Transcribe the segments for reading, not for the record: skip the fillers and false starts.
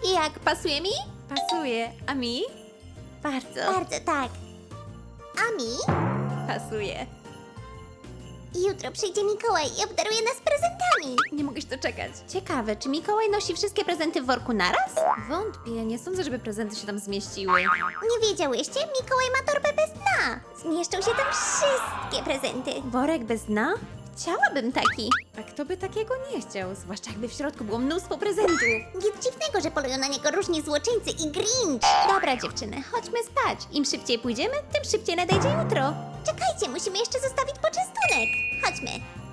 Jak, pasuje mi? Pasuje. A mi? Bardzo. Bardzo tak. A mi? Pasuje. Jutro przyjdzie Mikołaj i obdaruje nas prezentami. Nie mogę się doczekać. Ciekawe, czy Mikołaj nosi wszystkie prezenty w worku naraz? Wątpię, nie sądzę, żeby prezenty się tam zmieściły. Nie wiedziałyście? Mikołaj ma torbę bez dna. Zmieszczą się tam wszystkie prezenty. Worek bez dna? Chciałabym taki. A kto by takiego nie chciał? Zwłaszcza jakby w środku było mnóstwo prezentów. Nic dziwnego, że polują na niego różni złoczyńcy i Grinch. Dobra dziewczyny, chodźmy spać. Im szybciej pójdziemy, tym szybciej nadejdzie jutro. Czekajcie, musimy jeszcze zostawić poczęstunek. Chodźmy.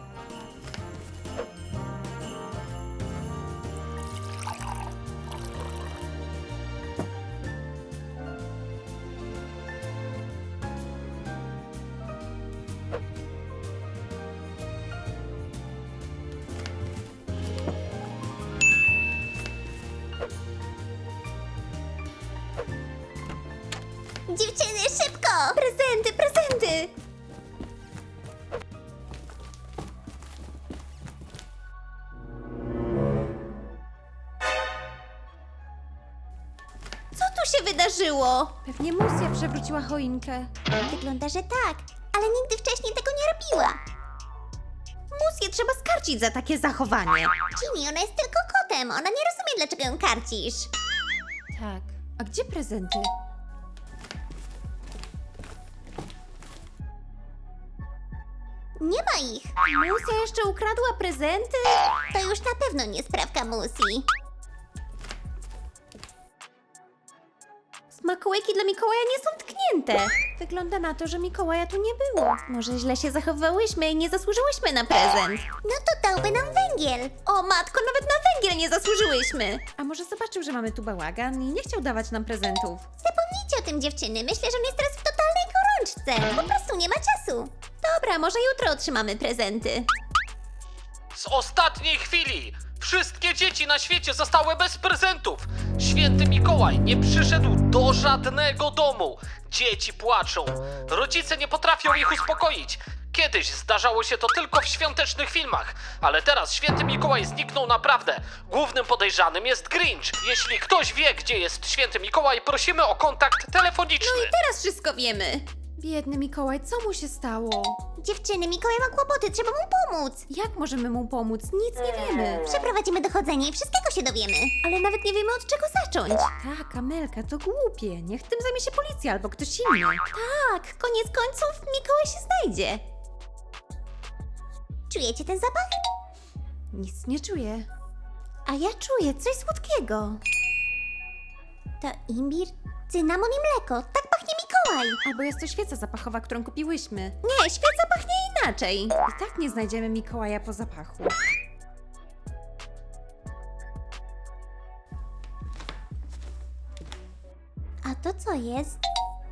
Dziewczyny, szybko! Prezenty, prezenty! Co tu się wydarzyło? Pewnie Musia przewróciła choinkę. Wygląda, że tak, ale nigdy wcześniej tego nie robiła. Musię trzeba skarcić za takie zachowanie. Ginny, ona jest tylko kotem, ona nie rozumie, dlaczego ją karcisz. Tak. A gdzie prezenty? Nie ma ich. Musia jeszcze ukradła prezenty? To już na pewno nie sprawka Musi. Smakołyki dla Mikołaja nie są tknięte. Wygląda na to, że Mikołaja tu nie było. Może źle się zachowywałyśmy i nie zasłużyłyśmy na prezent. No to dałby nam węgiel. O matko, nawet na węgiel nie zasłużyłyśmy. A może zobaczył, że mamy tu bałagan i nie chciał dawać nam prezentów. Zapomnijcie o tym, dziewczyny. Myślę, że on jest teraz w totalnej gorączce. Po prostu nie ma czasu. Dobra, może jutro otrzymamy prezenty. Z ostatniej chwili! Wszystkie dzieci na świecie zostały bez prezentów! Święty Mikołaj nie przyszedł do żadnego domu! Dzieci płaczą! Rodzice nie potrafią ich uspokoić! Kiedyś zdarzało się to tylko w świątecznych filmach, ale teraz Święty Mikołaj zniknął naprawdę. Głównym podejrzanym jest Grinch. Jeśli ktoś wie, gdzie jest Święty Mikołaj, prosimy o kontakt telefoniczny. Teraz wszystko wiemy. Biedny Mikołaj, co mu się stało? Dziewczyny, Mikołaj ma kłopoty, trzeba mu pomóc. Jak możemy mu pomóc? Nic nie wiemy. Przeprowadzimy dochodzenie i wszystkiego się dowiemy. Ale nawet nie wiemy od czego zacząć. Tak, Amelka, to głupie. Niech tym zajmie się policja albo ktoś inny. Tak, koniec końców Mikołaj się znajdzie. Czujecie ten zapach? Nic nie czuję. A ja czuję coś słodkiego. To imbir, cynamon i mleko. Tak pachnie Mikołaj. Albo jest to świeca zapachowa, którą kupiłyśmy. Nie, świeca pachnie inaczej. I tak nie znajdziemy Mikołaja po zapachu. A to co jest?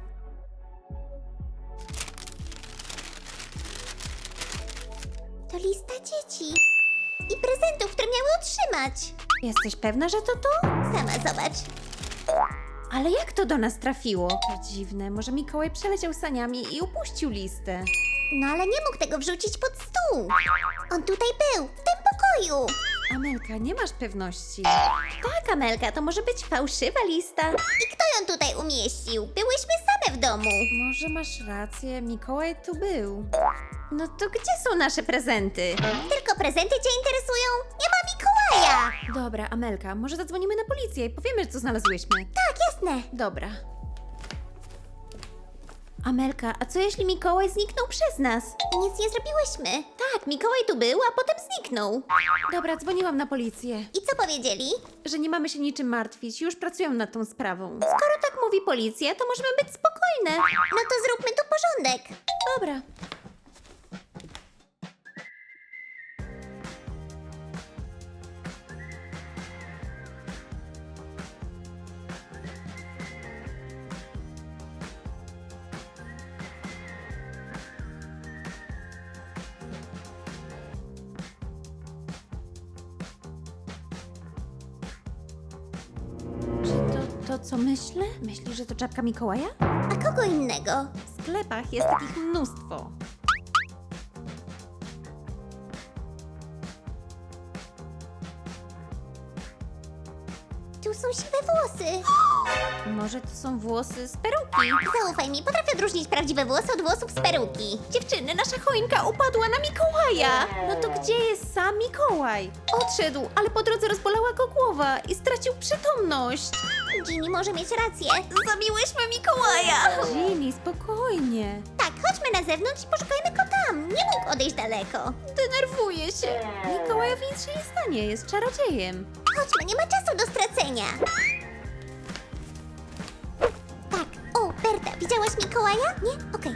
To lista dzieci. I prezentów, które miały otrzymać. Jesteś pewna, że to to? Sama zobacz. Ale jak to do nas trafiło? To dziwne, może Mikołaj przeleciał saniami i upuścił listę. No ale nie mógł tego wrzucić pod stół. On tutaj był, w tym pokoju. Amelka, nie masz pewności. Tak, Amelka, to może być fałszywa lista. I kto ją tutaj umieścił? Byłyśmy same w domu. Może masz rację, Mikołaj tu był. No to gdzie są nasze prezenty? Tylko prezenty cię interesują? Nie ma Mikołaja. Dobra, Amelka, może zadzwonimy na policję i powiemy, co znalazłyśmy. Tak, jasne. Dobra. Amelka, a co jeśli Mikołaj zniknął przez nas? I nic nie zrobiłyśmy. Tak, Mikołaj tu był, a potem zniknął. Dobra, dzwoniłam na policję, I co powiedzieli? że nie mamy się niczym martwić, już pracują nad tą sprawą. Skoro tak mówi policja, to możemy być spokojne. No to zróbmy tu porządek. Dobra. Czy to co myślę? Myślisz, że to czapka Mikołaja? A kogo innego? W sklepach jest takich mnóstwo. Tu są siwe włosy. Może to są włosy z peruki? Zaufaj mi, potrafię odróżnić prawdziwe włosy od włosów z peruki. Dziewczyny, nasza choinka upadła na Mikołaja! No to gdzie jest sam Mikołaj? Odszedł, ale po drodze rozbolała go głowa i stracił przytomność. Ginny może mieć rację. Zabiłyśmy Mikołaja! Ginny, spokojnie. Tak, chodźmy na zewnątrz i poszukajmy go tam. Nie mógł odejść daleko. Denerwuję się. Mikołajowi nic się nie stanie, jest czarodziejem. Chodźmy, nie ma czasu do stracenia. Tak, o, Berta, widziałaś Mikołaja? Nie? Okej.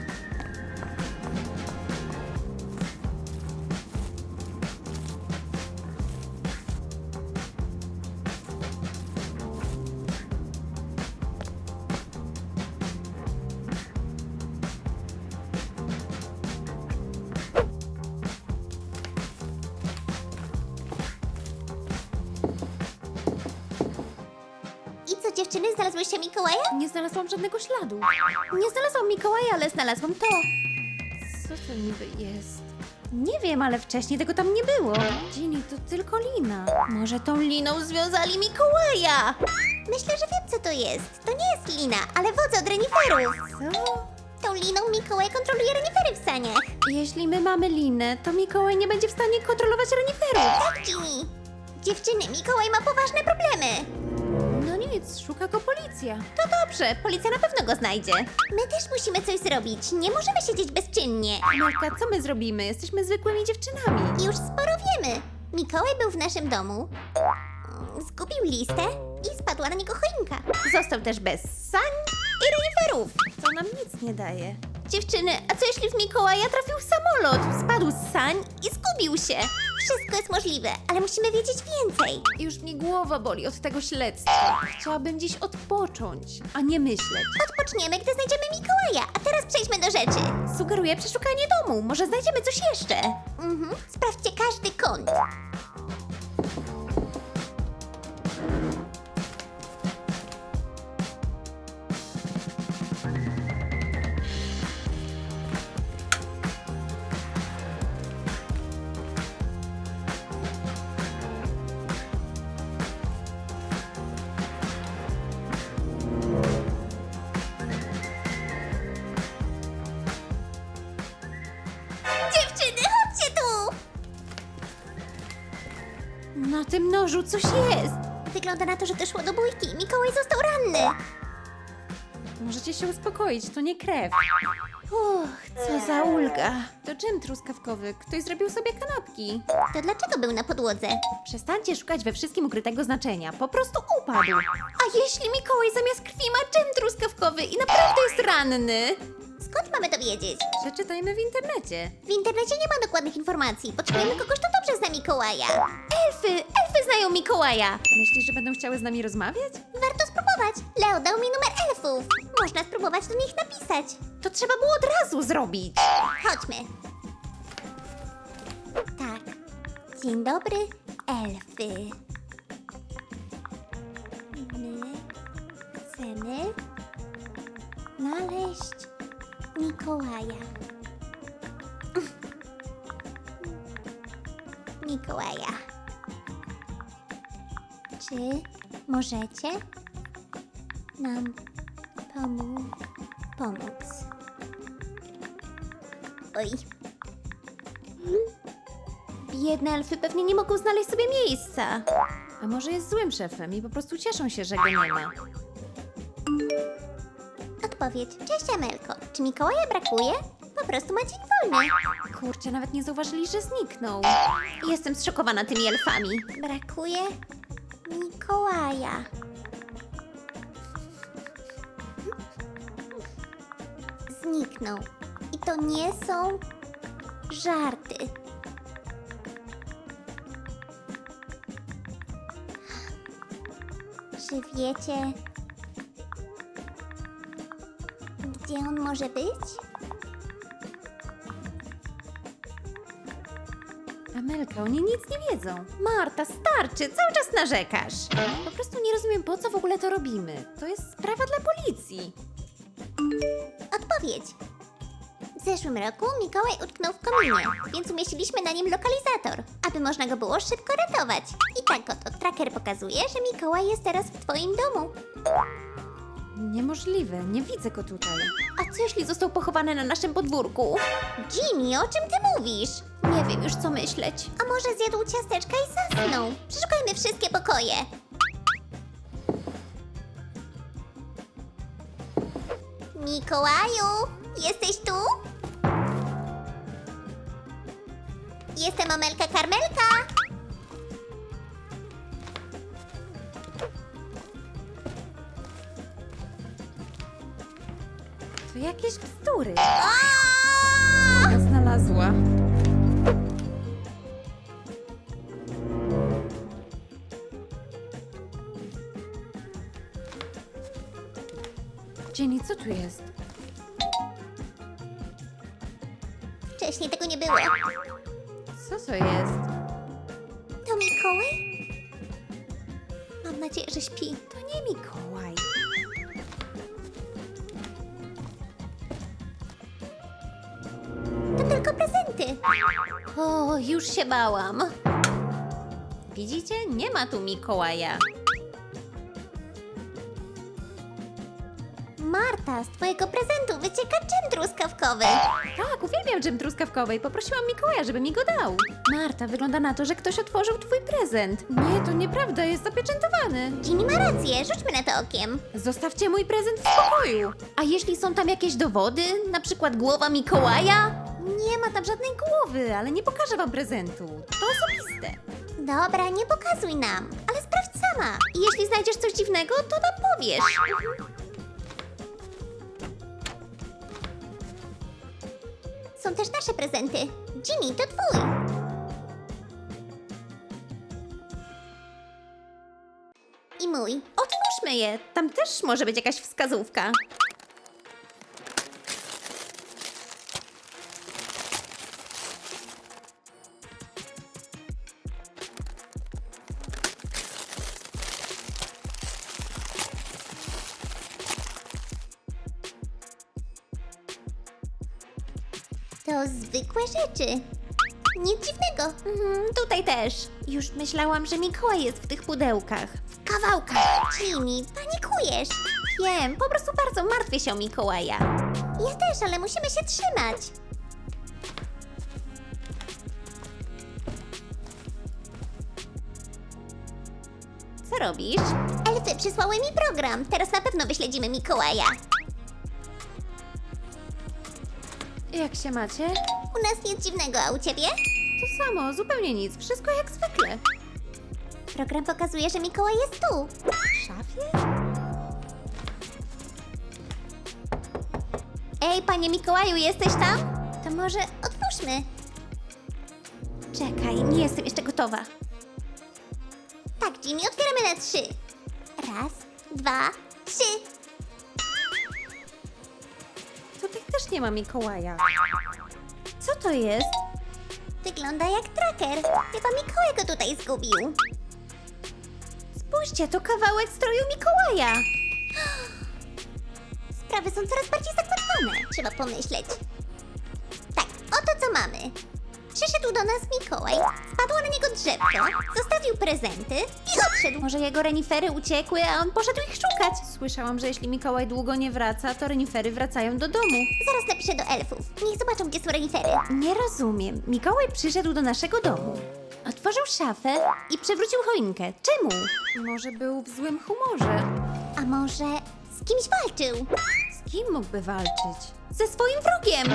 I co, dziewczyny, znalazłyście Mikołaja? Nie znalazłam żadnego śladu. Nie znalazłam Mikołaja, ale znalazłam to. Co to niby jest? Nie wiem, ale wcześniej tego tam nie było. Ginny, to tylko lina. Może tą liną związali Mikołaja? Myślę, że wiem, co to jest. To nie jest lina, ale wodza od reniferów. Co? Tą liną Mikołaj kontroluje renifery w saniach. Jeśli my mamy linę, to Mikołaj nie będzie w stanie kontrolować reniferów. Tak, Ginny. Dziewczyny, Mikołaj ma poważne problemy. No nic, szuka go policja. To dobrze, policja na pewno go znajdzie. My też musimy coś zrobić. Nie możemy siedzieć bezczynnie. Amelka, co my zrobimy? Jesteśmy zwykłymi dziewczynami. Już sporo wiemy. Mikołaj był w naszym domu, zgubił listę i spadła na niego choinka. Został też bez sań i reniferów. To nam nic nie daje. Dziewczyny, a co jeśli w Mikołaja trafił samolot? Spadł z sań i zgubił się. Wszystko jest możliwe, ale musimy wiedzieć więcej. Już mnie głowa boli od tego śledztwa. Chciałabym dziś odpocząć, a nie myśleć. Odpoczniemy, gdy znajdziemy Mikołaja, a teraz przejdźmy do rzeczy. Sugeruję przeszukanie domu. Może znajdziemy coś jeszcze. Sprawdźcie każdy kąt. Dziewczyny, chodźcie tu! Na tym nożu coś jest. Wygląda na to, że doszło do bójki. Mikołaj został ranny. Możecie się uspokoić, to nie krew. Co za ulga. To dżem truskawkowy. Ktoś zrobił sobie kanapki. To dlaczego był na podłodze? Przestańcie szukać we wszystkim ukrytego znaczenia. Po prostu upadł. A jeśli Mikołaj zamiast krwi ma dżem truskawkowy i naprawdę jest ranny? Skąd mamy to wiedzieć? Przeczytajmy w internecie. W internecie nie ma dokładnych informacji. Potrzebujemy kogoś, kto dobrze zna Mikołaja. Elfy znają Mikołaja. Myślisz, że będą chciały z nami rozmawiać? Warto spróbować. Leo dał mi numer elfów. Można spróbować do nich napisać. To trzeba było od razu zrobić. Chodźmy. Tak. Dzień dobry, elfy. My chcemy znaleźć Mikołaja. Mikołaja. Czy możecie nam pomóc? Oj. Biedne elfy pewnie nie mogą znaleźć sobie miejsca. A może jest złym szefem i po prostu cieszą się, że go nie ma. Odpowiedź. Cześć, Amelko. Czy Mikołaja brakuje? Po prostu ma dzień wolny. Kurczę, nawet nie zauważyli, że zniknął. Jestem zszokowana tymi elfami. Brakuje Mikołaja. Zniknął. I to nie są żarty. Czy wiecie, gdzie on może być? Amelka, oni nic nie wiedzą. Marta, starczy, cały czas narzekasz. Po prostu nie rozumiem, po co w ogóle to robimy. To jest sprawa dla policji. Odpowiedź. W zeszłym roku Mikołaj utknął w kominie, więc umieściliśmy na nim lokalizator, aby można go było szybko ratować. I tak oto tracker pokazuje, że Mikołaj jest teraz w twoim domu. Niemożliwe, nie widzę go tutaj. A co jeśli został pochowany na naszym podwórku? Jimmy, o czym ty mówisz? Nie wiem już co myśleć. A może zjadł ciasteczka i zasnął? Przeszukajmy wszystkie pokoje. Mikołaju, jesteś tu? Jestem Amelka Karmelka. To jakieś bzdury. Aaaa! Znalazła. Jenny, co tu jest? Wcześniej tego nie było. Co to jest? To Mikołaj? Mam nadzieję, że śpi. To nie Mikołaj. To tylko prezenty. O, już się bałam. Widzicie? Nie ma tu Mikołaja. Marta, z twojego prezentu wycieka dżem truskawkowy. Tak, uwielbiam dżem truskawkowy i poprosiłam Mikołaja, żeby mi go dał. Marta, wygląda na to, że ktoś otworzył twój prezent. Nie, to nieprawda, jest zapieczętowany. Ginny ma rację, rzućmy na to okiem. Zostawcie mój prezent w spokoju. A jeśli są tam jakieś dowody, na przykład głowa Mikołaja? Nie ma tam żadnej głowy, ale nie pokażę wam prezentu. To osobiste. Dobra, nie pokazuj nam, ale sprawdź sama. I jeśli znajdziesz coś dziwnego, to nam powiesz. Są też nasze prezenty. Jimmy, to twój. I mój. Otwórzmy je, tam też może być jakaś wskazówka. To zwykłe rzeczy. Nic dziwnego. Tutaj też. Już myślałam, że Mikołaj jest w tych pudełkach. W kawałkach. Jimmy, panikujesz. Wiem, po prostu bardzo martwię się o Mikołaja. Ja też, ale musimy się trzymać. Co robisz? Elfy przysłały mi program. Teraz na pewno wyśledzimy Mikołaja. Jak się macie? U nas nic dziwnego, a u ciebie? To samo, zupełnie nic, wszystko jak zwykle. Program pokazuje, że Mikołaj jest tu. W szafie? Ej, panie Mikołaju, jesteś tam? To może otwórzmy. Czekaj, nie jestem jeszcze gotowa. Tak, Jimmy, otwieramy na 3. Raz, 2, 3. Tutaj też nie ma Mikołaja. Co to jest? Wygląda jak tracker. Chyba Mikołaj go tutaj zgubił. Spójrzcie, to kawałek stroju Mikołaja. Sprawy są coraz bardziej zakłopotane. Trzeba pomyśleć. Tak, oto co mamy. Przyszedł do nas Mikołaj, spadło na niego drzewko, zostawił prezenty i odszedł. Może jego renifery uciekły, a on poszedł ich szukać. Słyszałam, że jeśli Mikołaj długo nie wraca, to renifery wracają do domu. Zaraz napiszę do elfów. Niech zobaczą, gdzie są renifery. Nie rozumiem. Mikołaj przyszedł do naszego domu. Otworzył szafę i przewrócił choinkę. Czemu? Może był w złym humorze. A może z kimś walczył? Z kim mógłby walczyć? Ze swoim wrogiem!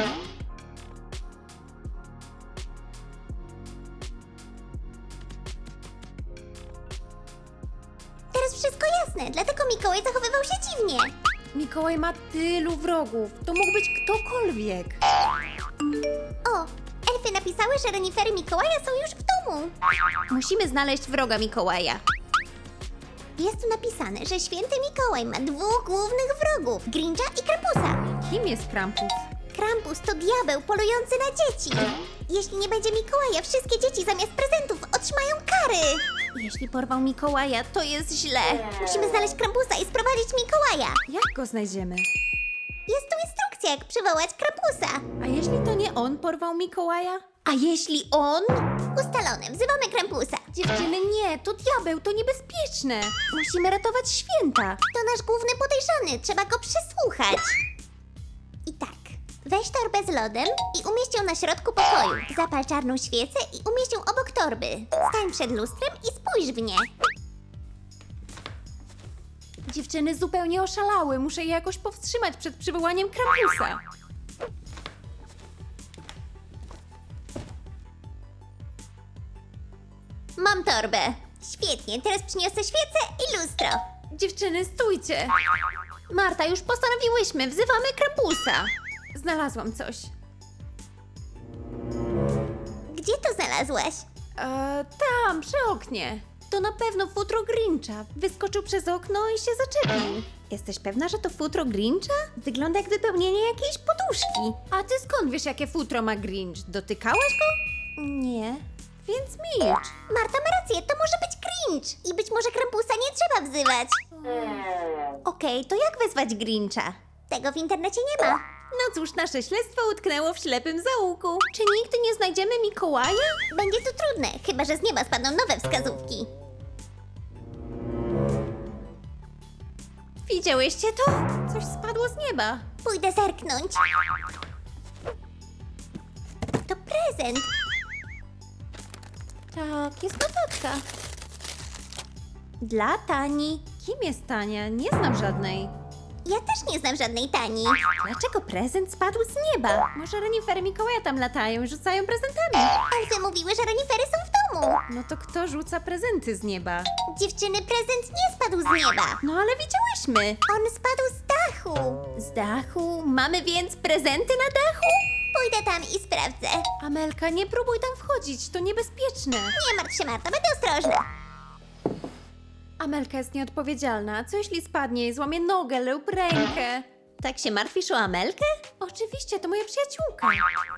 Teraz wszystko jasne, dlatego Mikołaj zachowywał się dziwnie. Mikołaj ma tylu wrogów. To mógł być ktokolwiek. O, elfy napisały, że renifery Mikołaja są już w domu. Musimy znaleźć wroga Mikołaja. Jest tu napisane, że święty Mikołaj ma 2 głównych wrogów, Grincha i Krampusa. Kim jest Krampus? Krampus to diabeł polujący na dzieci. Jeśli nie będzie Mikołaja, wszystkie dzieci zamiast prezentów otrzymają kary. Jeśli porwał Mikołaja, to jest źle. Musimy znaleźć Krampusa i sprowadzić Mikołaja. Jak go znajdziemy? Jest tu instrukcja propozycja, jak przywołać Krampusa. A jeśli to nie on porwał Mikołaja? A jeśli on? Ustalone, wzywamy Krampusa. Dziewczyny, nie, to diabeł, to niebezpieczne. Musimy ratować święta. To nasz główny podejrzany, trzeba go przesłuchać. I tak, weź torbę z lodem i umieść ją na środku pokoju. Zapal czarną świecę i umieść ją obok torby. Stań przed lustrem i spójrz w nie. Dziewczyny zupełnie oszalały, muszę je jakoś powstrzymać przed przywołaniem Krampusa. Mam torbę. Świetnie, teraz przyniosę świecę i lustro. Dziewczyny, stójcie. Marta, już postanowiłyśmy, wzywamy Krampusa. Znalazłam coś. Gdzie to znalazłaś? Tam, przy oknie. To na pewno futro Grincha. Wyskoczył przez okno i się zaczepił. Jesteś pewna, że to futro Grincha? Wygląda jak wypełnienie jakiejś poduszki. A ty skąd wiesz, jakie futro ma Grinch? Dotykałaś go? Nie. Więc milcz. Marta ma rację, to może być Grinch. I być może Krampusa nie trzeba wzywać. Okej, to jak wezwać Grincha? Tego w internecie nie ma. No cóż, nasze śledztwo utknęło w ślepym zaułku. Czy nigdy nie znajdziemy Mikołaja? Będzie to trudne, chyba że z nieba spadną nowe wskazówki. Widziałyście to? Coś spadło z nieba. Pójdę zerknąć. To prezent. Tak, jest notatka. Dla Tani. Kim jest Tania? Nie znam żadnej. Ja też nie znam żadnej Tani. Dlaczego prezent spadł z nieba? Może renifery Mikołaja tam latają i rzucają prezentami? Elfy mówiły, że renifery są w domu. No to kto rzuca prezenty z nieba? Dziewczyny, prezent nie spadł z nieba. No ale widziałyśmy. On spadł z dachu. Z dachu? Mamy więc prezenty na dachu? Pójdę tam i sprawdzę. Amelka, nie próbuj tam wchodzić, to niebezpieczne. Nie martw się, Marta, będę ostrożna. Amelka jest nieodpowiedzialna. Co jeśli spadnie i złamie nogę lub rękę? Tak się martwisz o Amelkę? Oczywiście, to moja przyjaciółka.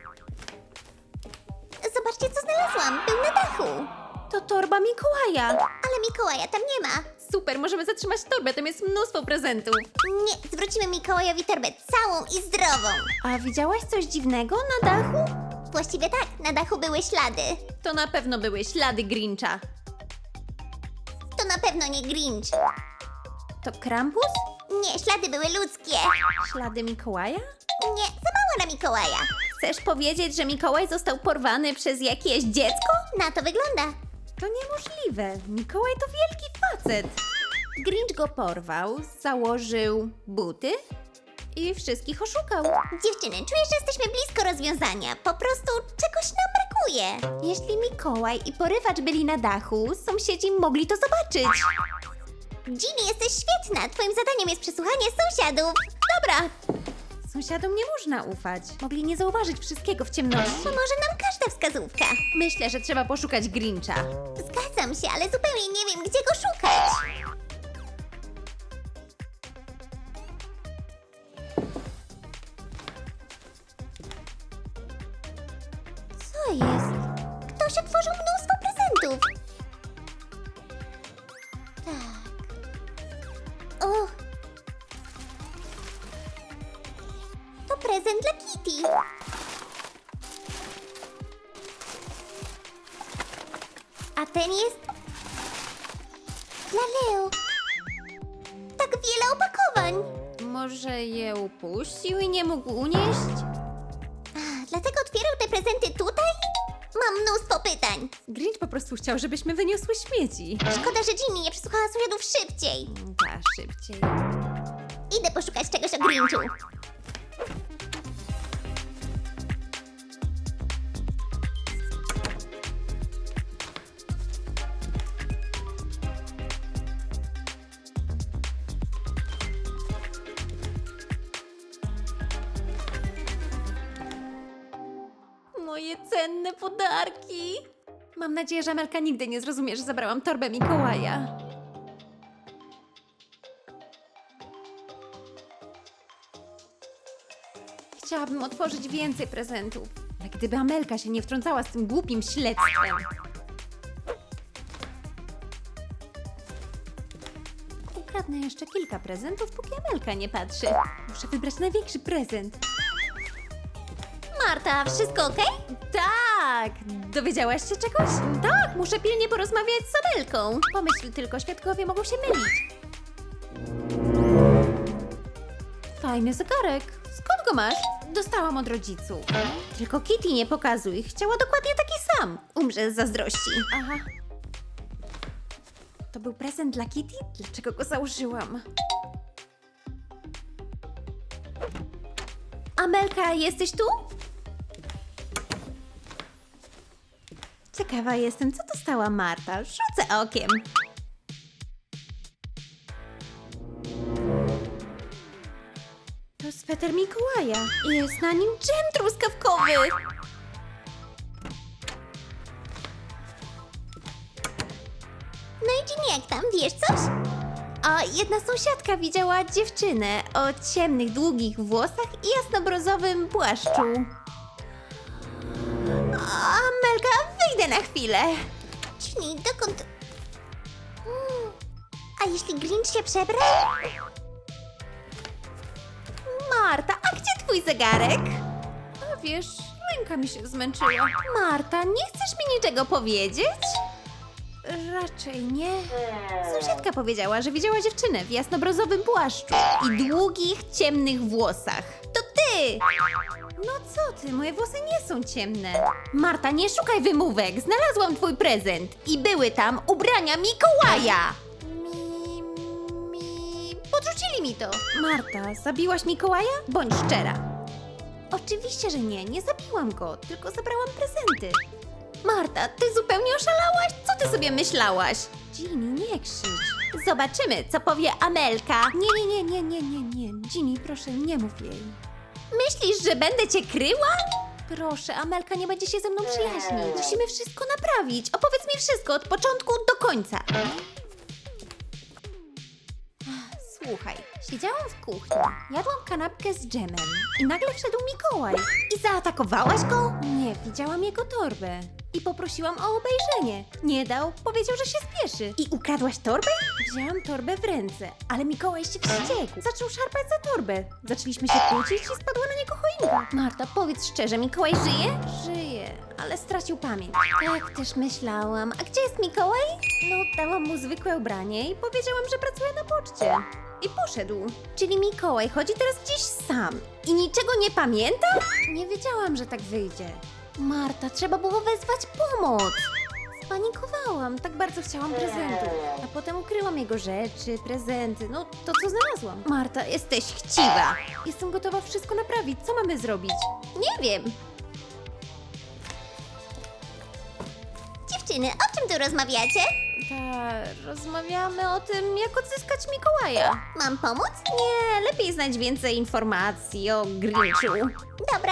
Zobaczcie, co znalazłam. Był na dachu. To torba Mikołaja. Ale Mikołaja tam nie ma. Super, możemy zatrzymać torbę, tam jest mnóstwo prezentów. Nie, zwrócimy Mikołajowi torbę całą i zdrową. A widziałaś coś dziwnego na dachu? Właściwie tak, na dachu były ślady. To na pewno były ślady Grincha. To na pewno nie Grinch. To Krampus? Nie, ślady były ludzkie. Ślady Mikołaja? Nie, za mało na Mikołaja. Chcesz powiedzieć, że Mikołaj został porwany przez jakieś dziecko? Na to wygląda. To niemożliwe. Mikołaj to wielki facet. Grinch go porwał, założył buty i wszystkich oszukał. Dziewczyny, czuję, że jesteśmy blisko rozwiązania. Po prostu czegoś nam brakuje. Jeśli Mikołaj i porywacz byli na dachu, sąsiedzi mogli to zobaczyć. Ginny, jesteś świetna. Twoim zadaniem jest przesłuchanie sąsiadów. Dobra. Sąsiadom nie można ufać. Mogli nie zauważyć wszystkiego w ciemności. Pomoże nam każda wskazówka. Myślę, że trzeba poszukać Grincha. Zgadzam się, ale zupełnie nie wiem, gdzie go szukać. Co jest? Ktoś otworzył mnóstwo prezentów. Tak. O! To prezent dla Kitty. A ten jest dla Leo. Tak wiele opakowań. Może je upuścił i nie mógł unieść? Dlatego otwierał te prezenty tutaj? Mam mnóstwo pytań. Grinch po prostu chciał, żebyśmy wyniosły śmieci. Szkoda, że Ginny nie przesłuchała sąsiadów szybciej. Tak, szybciej. Idę poszukać czegoś o Grinchu. Moje cenne podarki. Mam nadzieję, że Amelka nigdy nie zrozumie, że zabrałam torbę Mikołaja. Chciałabym otworzyć więcej prezentów. Ale gdyby Amelka się nie wtrącała z tym głupim śledztwem. Ukradnę jeszcze kilka prezentów, póki Amelka nie patrzy. Muszę wybrać największy prezent. Marta, wszystko okej? Tak! Dowiedziałaś się czegoś? Tak, muszę pilnie porozmawiać z Amelką. Pomyśl tylko, świadkowie mogą się mylić. Fajny zegarek. Skąd go masz? Dostałam od rodziców. Tylko Kitty nie pokazuj. Chciała dokładnie taki sam. Umrze z zazdrości. Aha. To był prezent dla Kitty? Dlaczego go założyłam? Amelka, jesteś tu? Ciekawa jestem, co dostała Marta. Rzucę okiem. To sweter Mikołaja. Jest na nim dżem truskawkowy. No i Ginny, jak tam? Wiesz coś? A jedna sąsiadka widziała dziewczynę o ciemnych, długich włosach i jasnobrozowym płaszczu. Amelka, wyjdę na chwilę. Ginny, dokąd... A jeśli Grinch się przebrał? Marta, a gdzie twój zegarek? A wiesz, ręka mi się zmęczyła. Marta, nie chcesz mi niczego powiedzieć? Raczej nie. Sąsiadka powiedziała, że widziała dziewczynę w jasnobrozowym płaszczu i długich, ciemnych włosach. To ty! No co ty, moje włosy nie są ciemne. Marta, nie szukaj wymówek. Znalazłam twój prezent i były tam ubrania Mikołaja. Podrzucili mi to. Marta, zabiłaś Mikołaja? Bądź szczera. Oczywiście, że nie. Nie zabiłam go, tylko zabrałam prezenty. Marta, ty zupełnie oszalałaś? Co ty sobie myślałaś? Ginny, nie krzycz. Zobaczymy, co powie Amelka. Nie. Ginny, proszę, nie mów jej. Myślisz, że będę cię kryła? Proszę, Amelka nie będzie się ze mną przyjaźnić. Musimy wszystko naprawić. Opowiedz mi wszystko od początku do końca. Słuchaj, siedziałam w kuchni, jadłam kanapkę z dżemem i nagle wszedł Mikołaj. I zaatakowałaś go? Nie, widziałam jego torbę i poprosiłam o obejrzenie. Nie dał, powiedział, że się spieszy. I ukradłaś torbę? Wzięłam torbę w ręce, ale Mikołaj się wściekł. Zaczął szarpać za torbę. Zaczęliśmy się kłócić i spadła na niego choinka. Marta, powiedz szczerze, Mikołaj żyje? Żyje, ale stracił pamięć. Tak też myślałam. A gdzie jest Mikołaj? No, dałam mu zwykłe ubranie i powiedziałam, że pracuje na poczcie. I poszedł. Czyli Mikołaj chodzi teraz gdzieś sam i niczego nie pamięta? Nie wiedziałam, że tak wyjdzie. Marta, trzeba było wezwać pomoc. Spanikowałam, tak bardzo chciałam prezentów. A potem ukryłam jego rzeczy, prezenty, no to co znalazłam. Marta, jesteś chciwa. Jestem gotowa wszystko naprawić. Co mamy zrobić? Nie wiem. Dziewczyny, o czym tu rozmawiacie? Rozmawiamy o tym, jak odzyskać Mikołaja. Mam pomóc? Nie, lepiej znać więcej informacji o Grinchu. Dobra.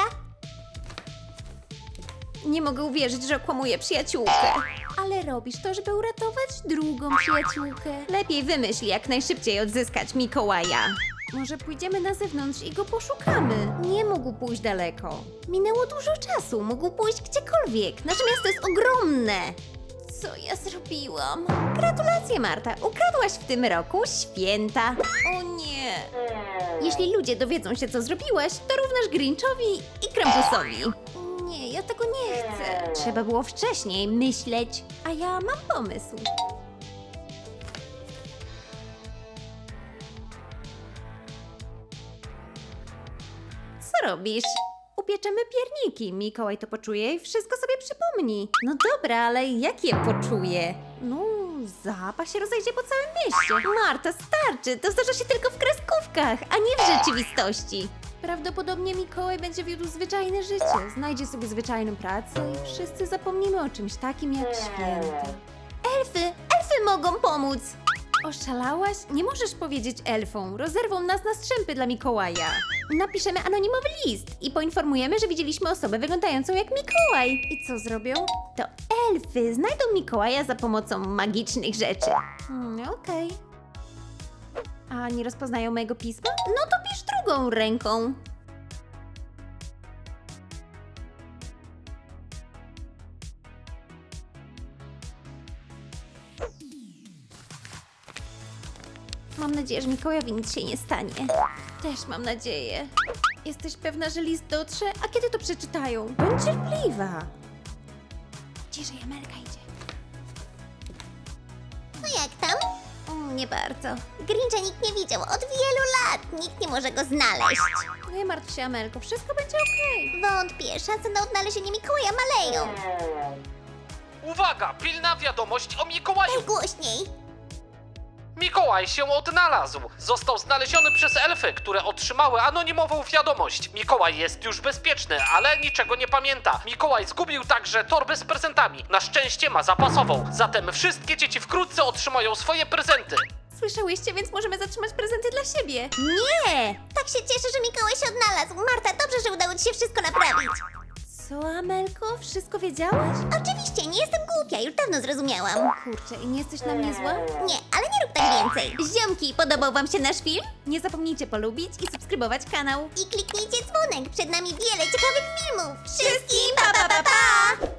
Nie mogę uwierzyć, że okłamuję przyjaciółkę. Ale robisz to, żeby uratować drugą przyjaciółkę. Lepiej wymyśl, jak najszybciej odzyskać Mikołaja. Może pójdziemy na zewnątrz i go poszukamy. Nie mógł pójść daleko. Minęło dużo czasu, mógł pójść gdziekolwiek. Nasze miasto jest ogromne. Co ja zrobiłam? Gratulacje, Marta. Ukradłaś w tym roku święta. O nie. Jeśli ludzie dowiedzą się, co zrobiłaś, to równasz Grinchowi i Krampusowi. Nie, ja tego nie chcę. Trzeba było wcześniej myśleć, a ja mam pomysł. Co robisz? Upieczemy pierniki. Mikołaj to poczuje i wszystko sobie przypomni. No dobra, ale jak je poczuje? No, zapach się rozejdzie po całym mieście. Marta, starczy! To zdarza się tylko w kreskówkach, a nie w rzeczywistości. Prawdopodobnie Mikołaj będzie wiódł zwyczajne życie. Znajdzie sobie zwyczajną pracę i wszyscy zapomnimy o czymś takim jak święta. Elfy mogą pomóc! Oszalałaś? Nie możesz powiedzieć elfom. Rozerwą nas na strzępy dla Mikołaja. Napiszemy anonimowy list i poinformujemy, że widzieliśmy osobę wyglądającą jak Mikołaj. I co zrobią? To elfy znajdą Mikołaja za pomocą magicznych rzeczy. Okej. A nie rozpoznają mojego pisma? No to pisz drugą ręką. Mam nadzieję, że Mikołajowi nic się nie stanie. Też mam nadzieję. Jesteś pewna, że list dotrze? A kiedy to przeczytają? Bądź cierpliwa. Ciszej, Amelka idzie. No jak tam? Nie bardzo. Grincha nikt nie widział od wielu lat. Nikt nie może go znaleźć. Nie martw się, Amelko, wszystko będzie okej. Wątpię, szanse na odnalezienie Mikołaja maleją. Uwaga, pilna wiadomość o Mikołaju. Głośniej. Mikołaj się odnalazł. Został znaleziony przez elfy, które otrzymały anonimową wiadomość. Mikołaj jest już bezpieczny, ale niczego nie pamięta. Mikołaj zgubił także torbę z prezentami. Na szczęście ma zapasową. Zatem wszystkie dzieci wkrótce otrzymają swoje prezenty. Słyszałyście, więc możemy zatrzymać prezenty dla siebie. Nie! Tak się cieszę, że Mikołaj się odnalazł. Marta, dobrze, że udało ci się wszystko naprawić. Co, Amelko? Wszystko wiedziałaś? Oczywiście, nie jestem głupia, już dawno zrozumiałam. Kurczę, i nie jesteś na mnie zła? Nie, ale nie rób tak więcej. Ziomki, podobał wam się nasz film? Nie zapomnijcie polubić i subskrybować kanał. I kliknijcie dzwonek, przed nami wiele ciekawych filmów. Wszystkim pa pa pa pa!